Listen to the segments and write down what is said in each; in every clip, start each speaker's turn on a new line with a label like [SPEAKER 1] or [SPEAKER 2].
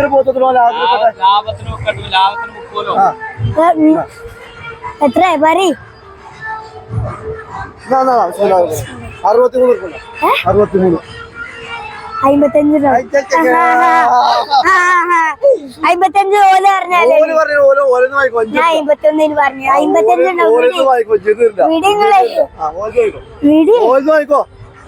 [SPEAKER 1] എത്ര പറ
[SPEAKER 2] 63 63
[SPEAKER 1] 55 55 ഓല പറഞ്ഞാലേ ഞാൻ 51 പറഞ്ഞു 55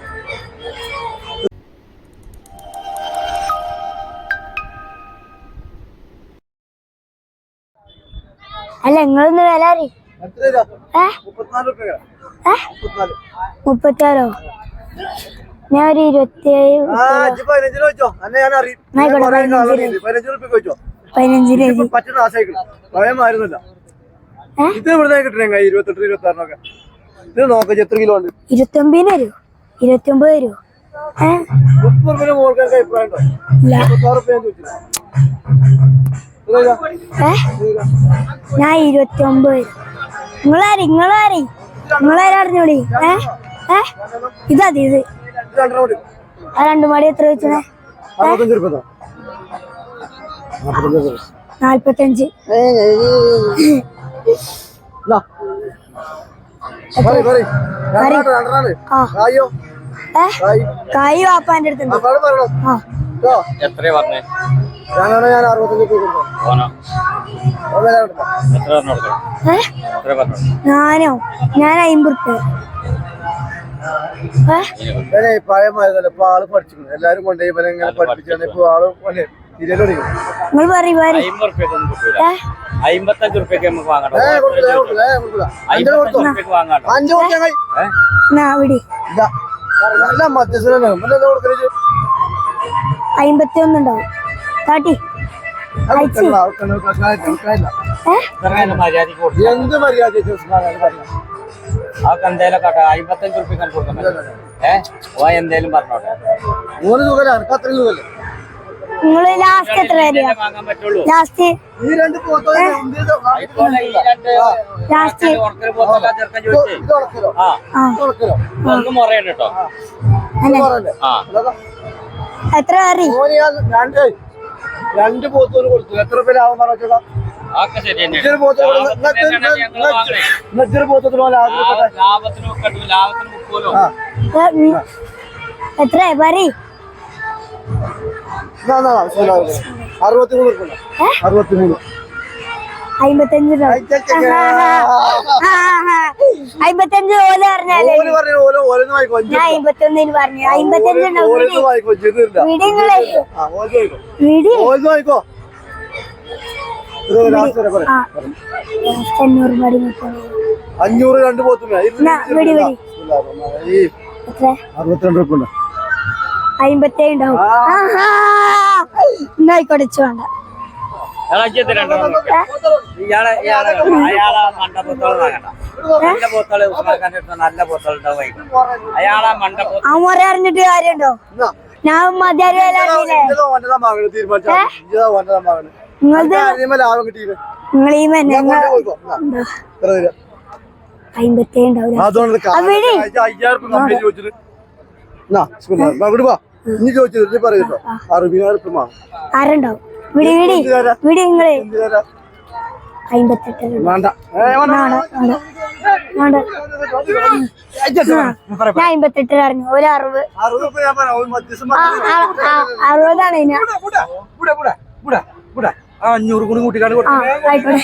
[SPEAKER 1] അല്ല നിങ്ങളൊന്ന് വില അറിയ 34 ഞാൻ ഒരു 27 ഞാൻ 29 നിങ്ങളാരറിഞ്ഞോളി ഇതതി ഇത് 2 മണി എത്ര വെച്ചേ 45 കായ് വാപ്പാന്റെ അടുത്തുണ്ട് ഞാനോ ഞാൻ 50
[SPEAKER 2] പഴയമായിരുന്നല്ലോ ഇപ്പൊ ആള് പഠിച്ചു എല്ലാരും കൊണ്ടുപോയി ഇങ്ങനെ പഠിപ്പിച്ചാണ് ഇപ്പൊ ആള്
[SPEAKER 1] നിങ്ങൾ പറയും
[SPEAKER 3] 55 റുപ്യക്ക് നമുക്ക് വാങ്ങാം
[SPEAKER 1] 51 ഉണ്ടാവും കാട്ടി
[SPEAKER 2] എന്ത് മര്യാദ
[SPEAKER 3] അതൊക്കെ എന്തായാലും കേട്ടോ 55 റുപ്യക്ക് കൊടുക്കാൻ എന്തായാലും പറഞ്ഞോട്ടെ
[SPEAKER 2] 3 രൂപ അത്രയും രൂപല്ലേ
[SPEAKER 1] നിങ്ങൾ ലാസ്റ്റ് എത്ര
[SPEAKER 3] വാങ്ങാൻ പറ്റുള്ളൂ
[SPEAKER 1] ലാസ്റ്റ് എത്ര കറി
[SPEAKER 2] 2 പോത്തോന് കൊടുത്തു എത്ര പേര് ആവാൻ പറഞ്ഞോ
[SPEAKER 1] എത്ര പറ
[SPEAKER 2] 63 63
[SPEAKER 1] 55 ഓല പറഞ്ഞാലേ ഞാൻ 51 പറഞ്ഞു
[SPEAKER 2] 500 2 പോത്തും 62 രൂപ
[SPEAKER 1] 57 ഉണ്ടാവും എന്നായിക്കോട്ടെ വേണ്ട അറിഞ്ഞിട്ട് കാര്യമുണ്ടോ ഞാൻ മതിയാരി ആരുണ്ടാവും വിടി വിടി വിടി നിങ്ങള് 58
[SPEAKER 2] വേണ്ട
[SPEAKER 1] ഞാൻ 58 പറഞ്ഞു ഒരു 60 60ആണ്
[SPEAKER 2] 500 കൂടി കൂട്ടിക്കാണ്ട്
[SPEAKER 1] ആയിക്കോട്ടെ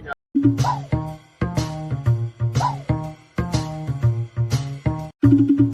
[SPEAKER 1] അതാ